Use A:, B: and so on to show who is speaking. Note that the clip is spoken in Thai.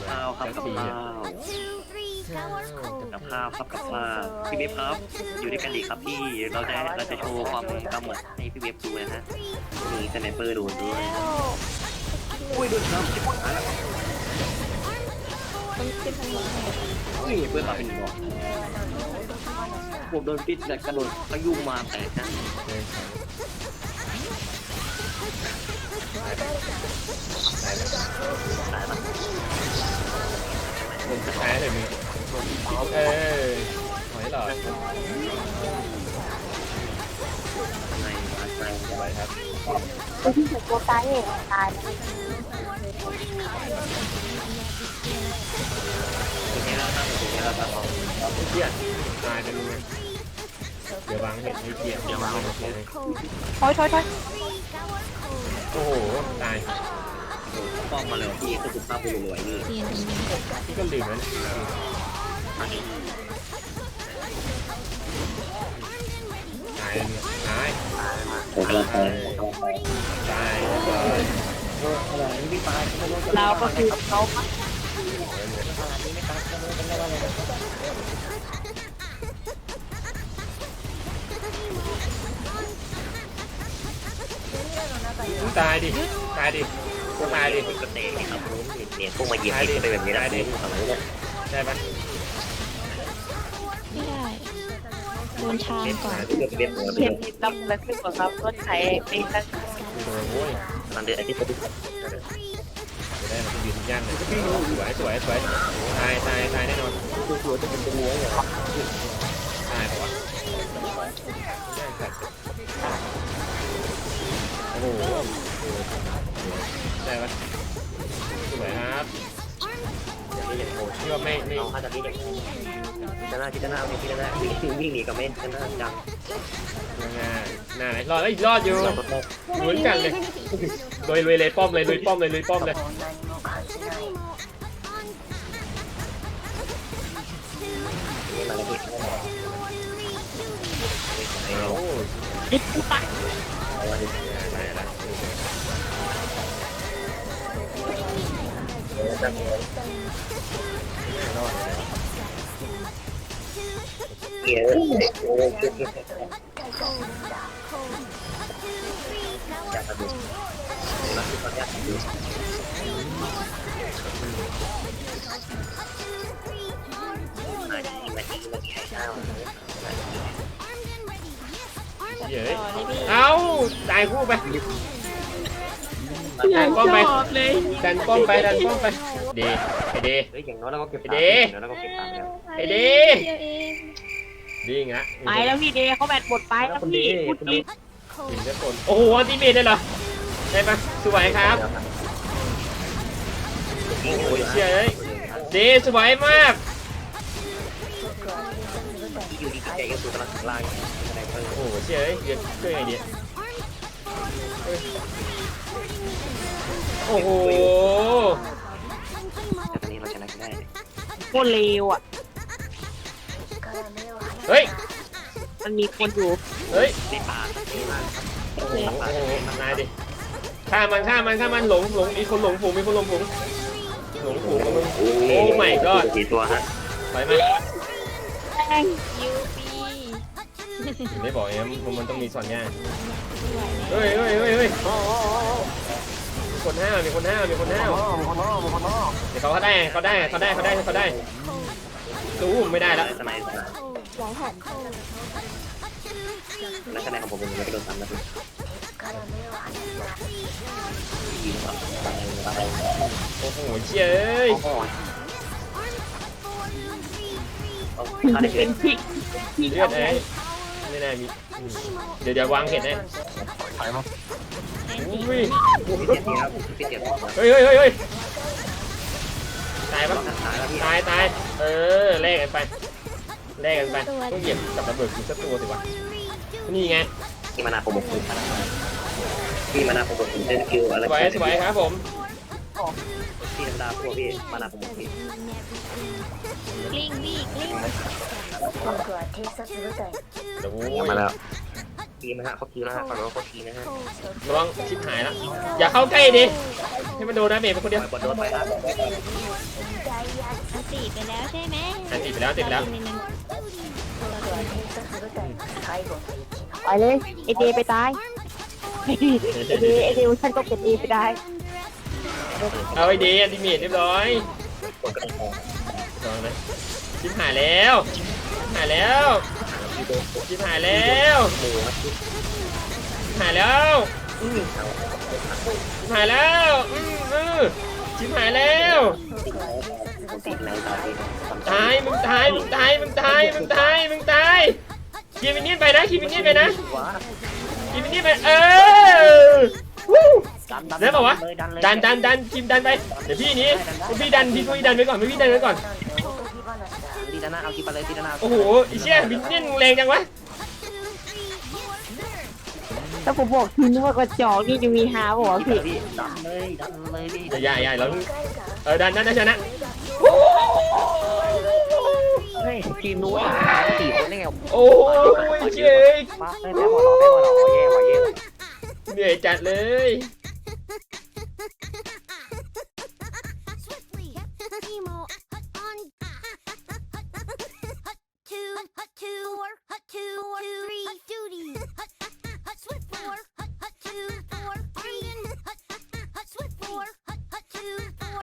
A: ข้าวครับกับข้าวกับข้าวครับกับข้าวพี่เวฟครับอยู่ด้วยกันดีครับพี่เราจะโชว์ความกำหมัดให้พี่เวฟดูนะฮะมีสไนเปอร์โดนด้วยอุ้ยโดนน้ำชิบหายแล้วอุ้ยเพื่อนมาเป็นหัวผมโดนปิดแล้วกระโดดพยุงมาแตกนะตายละ
B: ผมจะแพ้เลยมึงหอยหลอด
A: ในมาใส่
B: สบายครับ
C: คนที่ถูกตัวตายเองตาย
A: ตัวนี้เราตั้งตัวนี้เราตั้งเราเพี้ยน
B: ตายไปเลยเดี๋ยววางเห็ดให้เกียร์เดี๋ยววางเห็ดเลย
C: ถอย
B: โอ้โหตาย
A: ป้องมาเลยพี่คือสุภาพบุรุษรวยนี่
B: พี่ก็ลืมแล้ว
A: อันนี้
B: ตายเนี่ยตาย
A: ผมกำลังไป
B: ตาย
A: อะไรไม่ตาย
C: เราก็คือเขา
B: ตายดิตายดิตายดิ
A: กระเตงครับรู้เนี่ยพวกมาเหยียบไปแบบนี้ได้ดิทำไมเนี่ย
B: ได้ปะ
D: ไม่ได้โดนชามก่อน
A: เลือกเว็บหัว
C: เห็นดำแล้วขึ้นกว่าครับรถไถเป็นตั้ง
B: โอ้ย
A: มันเดือดอาทิตย์
B: จะได้มายืนย่างเลยสวยตายแน่นอน
A: ตัวจะเป็นตัวอย่าง
B: ตายปะวะโอ้โหได้ปะสวยครับ
A: นี่อย่างโหด
B: ที่ว่าไม่
A: น้องเขาจะนี่อย่างจะหน้าที่จะหน้าไม่ที่จะหน้าวิ่งหนีกับไม่จะหน้าจัง
B: หน้าไหนรอดแล้วรอดอยู่ลุ้นกันเลยลุยเลยป้อมเลยลุยป้อมเลย
A: นี่มาแล้วพี่
B: โอ้ย
C: ดิบปะ
B: ได้ละ
A: เกียร์อยากทำดูรักที่เขาอยากทำดูมาดีให้ข้าว
B: เย้ยเอ้าตายคู่ไปดันป้อมไปดันป้อมไปเดไอเด
A: เฮ้ยอย่างน้อยเราก็เก็บอย่างน้อยเราก็เก็บตังค์แล้ว
B: ไอเดดีงะ
C: ไปแล้วพี่เดย์เขาแบตหมดไปแล้วพี่พูดจริง
B: ถึงจะคนโอ้โหอันติเมทได้เหรอได้ปะสวยครับโอ้โหเชี่ยเลยเดสวยมาก
A: ที่อยู่ดีใจก็คือกำลังถึงล่างอะไรเพิ่ม
B: โอ้โหเชี่ยเลยเดี๋ยวช่วยไงดีโอ้โห
A: แต่ตอนนี้เราชนะได้
C: โคตรเลวอ่ะ
B: เฮ้ย
C: มันมีคนอยู่
B: เฮ้ย
A: ในป่าในบ้าน
B: โอ้โหนายดิฆ่ามันหลงมีคนหลงฝูงกับมึงโอ้ my god
A: กี่ตัวฮะ
B: ถอยมา
C: แม่ง
D: ยูปี
B: ไม่บอกเอ็มมันต้องมีส่วนย่างเฮ้ยมีคนห้าวเดี๋ยวเขาได้ตู้ไม่ได้แล้ว
A: สมัยนักแสดงของผมเป็นไม่โดนทำนะพี่ยิงแบบอะไร
B: โอ้โหเจ้ย
A: โอ้โหเขาได้เกิ
C: เป็น นพี่
B: เลือดไอ้ไม่น่ามีเดี๋ยววางเห็ดให้
A: ถอยมา
B: อุ้ย
A: พี่เจ็บครับพี่เจ็บ
B: เฮ้ยตายปะ
A: ตายแล้วพี่
B: ตายแลกกันไปต้องเหยียบกับระเบิดกูสักตัวสิวะนี่ไง
A: พี่มานาผมบอกคุณพี่มานาผมบอกคุณเล่นคิวอะไร
B: สวยครับผม
A: พี่ธรรมดาพวกพี่มานาผมบอกพี่
D: กลิ้งบี้กลิ้ง
B: โอ้
A: มาแล้วทีนะฮะเขาทีนะฮะฝั่งเราเขาทีนะฮะ
B: ระวังชิบหายแล้วอย่าเข้าใกล้ดิให้มันโดนดาเมจเป็นคนเดียว
A: บอลโดนไปครับ
D: อันตีไปแล้วใช่ไหม
B: ติดไปแล้วติดไปแล้ว
C: ไปเลยไอเดไปตายไอเดฉันก็เก็บเอไปได้
B: เอาไอเดียดิเมจเรียบร้อยลองนะชิบหายแล้วชิบหายแล้วชิบหายแล้วชิบหายแล้วชิบหายแล้วชิบหายแล้ว
A: ติดในตาดี
B: ตายมึงตายมึงตายมึงตายมึงตายมึงตายคีมินนี่ไปนะคีมินนี่ไปนะคีมินนี่ไปได้ป่าวะดันทีมดันไปเดี๋ยวพี่นี้พี่ดันไว้ก่อนพี่ดันไว้ก่อน
A: ตีด้านหน้าเอาคีไปเลยตีด้านหน้า
B: โอ้โหไอ้เชี่ยมินเนี่ยแรงจังวะ
C: ถ้าผมบอกทีนึกว่ากระจอกนี่จะมีฮาบอกว่าพี่
A: ดันเลยพี่
B: ใหญ่เราดันชนะ
A: เฮ้ยทีมนู้น4 คนได้ไง
B: โอ้ยเจ๊ก
A: มาได้บอลแย่ว่ะ
B: เหนื่อยจัดเลย
E: 2, 3, duty.